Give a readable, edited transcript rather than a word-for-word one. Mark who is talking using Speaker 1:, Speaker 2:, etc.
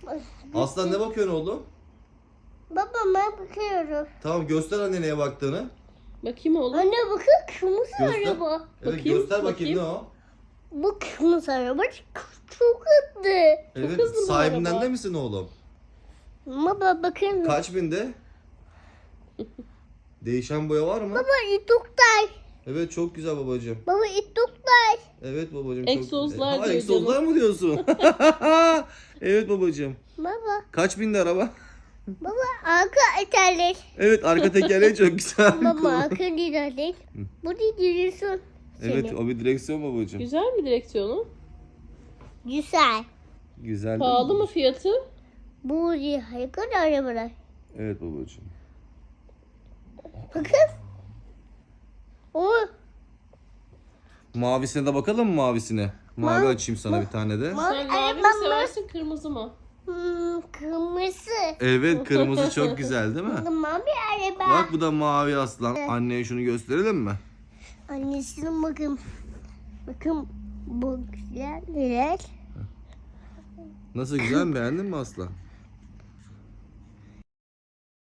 Speaker 1: Aslan ne bakıyorsun oğlum?
Speaker 2: Babama bakıyorum.
Speaker 1: Tamam göster anne neye baktığını.
Speaker 3: Bakayım oğlum.
Speaker 2: Anne bakın kırmızı
Speaker 1: Göster.
Speaker 2: araba.
Speaker 1: Evet
Speaker 3: Bakayım,
Speaker 1: göster bakayım
Speaker 3: bakayım.
Speaker 1: ne o?
Speaker 2: Bu kırmızı araba çok hızlı.
Speaker 1: Evet
Speaker 3: hızlı bu
Speaker 1: sahibinden
Speaker 3: araba.
Speaker 1: de misin oğlum?
Speaker 2: Baba bakın.
Speaker 1: Kaç binde? Değişen boya var mı?
Speaker 2: Baba itoktay.
Speaker 1: Evet çok güzel babacığım.
Speaker 2: Baba itoktay.
Speaker 1: Evet babacığım
Speaker 3: Egzozlar
Speaker 1: çok güzel.
Speaker 3: diyor
Speaker 1: Egzozlar mı diyorsun? Evet babacığım.
Speaker 2: Baba.
Speaker 1: Kaç binde araba?
Speaker 2: Baba arka tekerlek.
Speaker 1: Evet arka tekerleği çok güzel.
Speaker 2: Baba arka tekerlek. Bu ne diyorsun?
Speaker 1: Evet o bir direksiyon babacığım.
Speaker 3: Güzel mi direksiyonu?
Speaker 2: Güzel.
Speaker 1: Güzel değil
Speaker 3: Pahalı
Speaker 1: mi?
Speaker 3: mı fiyatı?
Speaker 2: Bu ne harika arabalar.
Speaker 1: Evet babacığım.
Speaker 2: Bakın. O
Speaker 1: Mavisine de bakalım mı mavisine? Mavi açayım sana bir tane de.
Speaker 3: Sen mavi mi
Speaker 2: arabam
Speaker 3: seversin kırmızı mı?
Speaker 2: kırmızı.
Speaker 1: Evet kırmızı çok güzel değil mi?
Speaker 2: Mavi araba.
Speaker 1: Bak bu da mavi aslan. Anneye şunu gösterelim mi?
Speaker 2: Annesinin bakın. Bakın bu güzel neler.
Speaker 1: Nasıl güzel mi? Beğendin mi aslan?